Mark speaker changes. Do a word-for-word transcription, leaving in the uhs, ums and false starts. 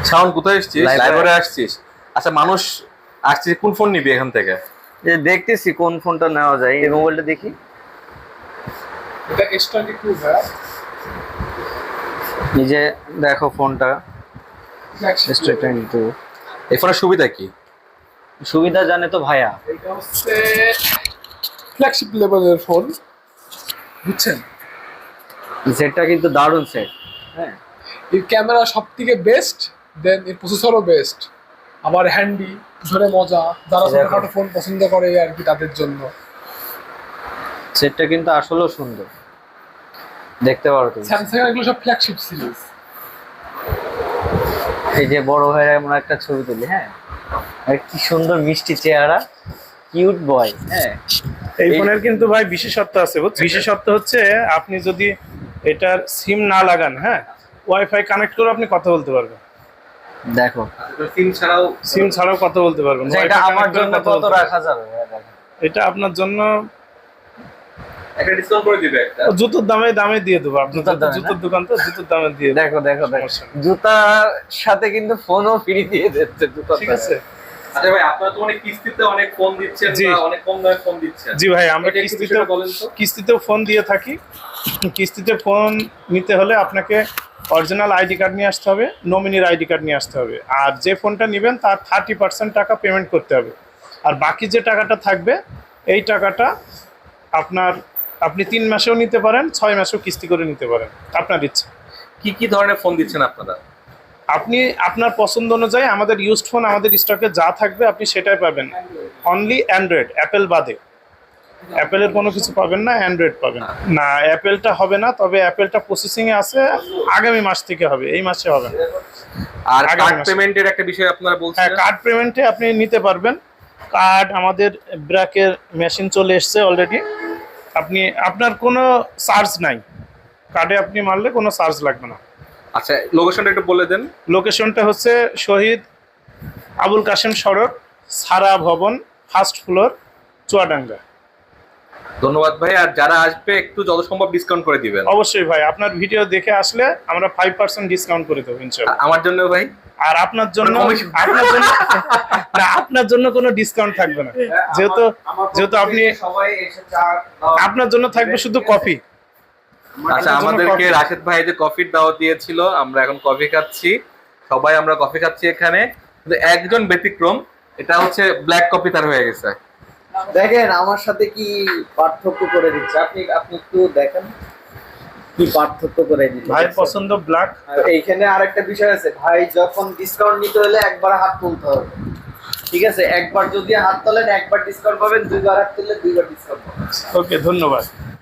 Speaker 1: শাওন কোথায় আসছিস? লাইব্রেরি আসছিস? আচ্ছা, মানুষ আসছে, কোন ফোন নিবি এখান থেকে?
Speaker 2: এই দেখতেছি কোন ফোনটা নেওয়া যায়, এই মোবাইলটা দেখি।
Speaker 3: এটা এস টোয়েন্টি টু ভাই,
Speaker 2: এই যে দেখো ফোনটা এস টোয়েন্টি টু।
Speaker 1: এই ফোনের সুবিধা কি?
Speaker 2: সুবিধা জানে তো ভাইয়া।
Speaker 3: এটা হচ্ছে ফ্ল্যাগশিপ লেভেলের ফোন, বুঝছেন?
Speaker 2: সেটটা কিন্তু দারুণ সেট। হ্যাঁ,
Speaker 3: এর ক্যামেরা সব থেকে বেস্ট, দেন এর প্রসেসরও বেস্ট, আবার হ্যান্ডি, ধরে মজা, যারা ছোটখাটো ফোন পছন্দ করে আর কি তাদের জন্য।
Speaker 2: সেটটা কিন্তু আসলেও সুন্দর, দেখতে পারো তুমি।
Speaker 3: স্যামসাং এগুলো সব ফ্ল্যাগশিপ সিরিজ।
Speaker 2: এই যে বড় ভাইয়ের এমন একটা ছবি তুলি। হ্যাঁ, আর কি সুন্দর মিষ্টি চেহারা, কিউট বয়। হ্যাঁ,
Speaker 4: এই ফোনের কিন্তু ভাই বিশেষত্ব আছে, বুঝছেন? বিশেষত্ব হচ্ছে আপনি যদি এটার সিম না লাগান, হ্যাঁ, ওয়াইফাই কানেক্ট করে আপনি কথা বলতে পারবেন।
Speaker 2: দেখো
Speaker 1: সিম ছাড়াও
Speaker 4: সিম ছাড়াও কথা বলতে পারবেন।
Speaker 2: যে এটা
Speaker 4: Wi-Fi
Speaker 2: আমার
Speaker 4: connect করে
Speaker 2: জন্য
Speaker 4: কথা
Speaker 2: কত
Speaker 4: বলতে পারবেন।
Speaker 2: রাখা যাবে? হ্যাঁ, দেখো।
Speaker 4: এটা আপনার জন্য
Speaker 1: একটা ডিসকাউন্ট করে দিবে একটা।
Speaker 4: জুতোর দামে দামে দিয়ে দেবো। আপনার
Speaker 2: জুতোর দামে,
Speaker 4: জুতোর দোকান তো জুতোর দামে দিয়ে দেবো।
Speaker 2: দেখো দেখো দেখো,
Speaker 4: সমস্যা নেই।
Speaker 2: জুতার সাথে কিন্তু ফোনও ফ্রি দিয়ে দিচ্ছে জুতার
Speaker 4: ঠিক
Speaker 2: সাথে।
Speaker 4: আছে।
Speaker 1: আচ্ছা ভাই, আপনারা তো অনেক কিস্তিতে অনেক ফোন দিচ্ছেন,
Speaker 4: জি।
Speaker 1: বা অনেক কম দামে ফোন দিচ্ছেন।
Speaker 4: জি ভাই, আমরা
Speaker 1: এটা একটু
Speaker 4: কিস্তিতে
Speaker 1: বিষয়টা বলেন তো।
Speaker 4: কিস্তিতেও ফোন দিয়ে থাকি। কিস্তিতে ফোন নিতে হলে আপনাকে অরিজিনাল আইডি কার্ড নিয়ে আসতে হবে, নমিনির আইডি কার্ড নিয়ে আসতে হবে। আর যে ফোনটা নেবেন তার থার্টি পার্সেন্ট টাকা পেমেন্ট করতে হবে। আর বাকি যে টাকাটা থাকবে এই টাকাটা আপনার আপনি তিন মাসেও নিতে পারেন, ছয় মাসেও কিস্তি করে নিতে পারেন, আপনার ইচ্ছা।
Speaker 1: কি কি ধরনের ফোন দিচ্ছেন আপনারা?
Speaker 4: আপনি আপনার পছন্দ অনুযায়ী আমাদের ইউজড ফোন আমাদের স্টকে যা থাকবে আপনি সেটাই পাবেন। অনলি অ্যান্ড্রয়েড, অ্যাপেল বাদে। অ্যাপেলের কোনো কিছু পাবেন না, অ্যান্ড্রয়েড পাবেন না। অ্যাপেলটা হবে না, তবে অ্যাপেলটা প্রসেসিংয়ে আছে, আগামী মাস থেকে হবে, এই মাসে হবে না।
Speaker 1: আর
Speaker 4: আগামী
Speaker 1: কার্ড
Speaker 4: মাসে।
Speaker 1: পেমেন্টের একটা বিষয় আপনারা
Speaker 4: হ্যাঁ,
Speaker 1: বলছেন।
Speaker 4: কার্ড পেমেন্টে আপনি নিতে পারবেন। কার্ড আমাদের ব্র্যাকের মেশিন চলে এসছে অলরেডি। আপনি আপনার কোনো চার্জ নাই, কার্ডে আপনি মারলে কোনো চার্জ লাগবে না।
Speaker 1: আচ্ছা, লোকেশনটা একটু বলে দেন।
Speaker 4: লোকেশনটা হচ্ছে শহীদ আবুল কাশেম সড়ক, সারা ভবন, ফার্স্ট ফ্লোর, চুয়াডাঙ্গা।
Speaker 1: ধন্যবাদ ভাই। আর যারা আসবে একটু যত সম্ভব ডিসকাউন্ট করে দিবেন।
Speaker 4: অবশ্যই ভাই, আপনার ভিডিও দেখে আসলে আমরা ফাইভ পার্সেন্ট ডিসকাউন্ট করে দেবো ইনশাল্লাহ।
Speaker 1: আর আমার জন্য ভাই,
Speaker 4: আর আপনার জন্য
Speaker 1: কোনো commission?
Speaker 4: আপনার জন্য না, আপনার জন্য কোনো ডিসকাউন্ট থাকবে না, যেহেতু যেহেতু আপনি
Speaker 2: সবাই এসে চা
Speaker 4: আপনার জন্য থাকবে শুধু কফি।
Speaker 1: আচ্ছা,
Speaker 4: জন্য
Speaker 1: আমাদেরকে
Speaker 4: coffee।
Speaker 1: রাশেদ ভাই যে কফির দাওয়াত দিয়েছিল, আমরা এখন কফি খাচ্ছি। সবাই আমরা কফি খাচ্ছি এখানে, কিন্তু একজন ব্যতিক্রম, এটা হচ্ছে ব্ল্যাক কফি তার হয়ে গেছে।
Speaker 2: দেখেন আমার সাথে কি পার্থক্য করে দিচ্ছে। আপনি আপনি একটু দেখেন কি পার্থক্য করে দিচ্ছে।
Speaker 4: ভাই পছন্দ ব্ল্যাক।
Speaker 2: আর এইখানে আরেকটা বিষয় আছে ভাই, যখন ডিসকাউন্ট নিতে হলে একবার হাত তুলতে হবে। ঠিক আছে, একবার যদি হাত তোলেন একবার ডিসকাউন্ট পাবেন, দুইবার হাত তুললে দুইবার ডিসকাউন্ট পাবেন।
Speaker 4: ওকে, ধন্যবাদ।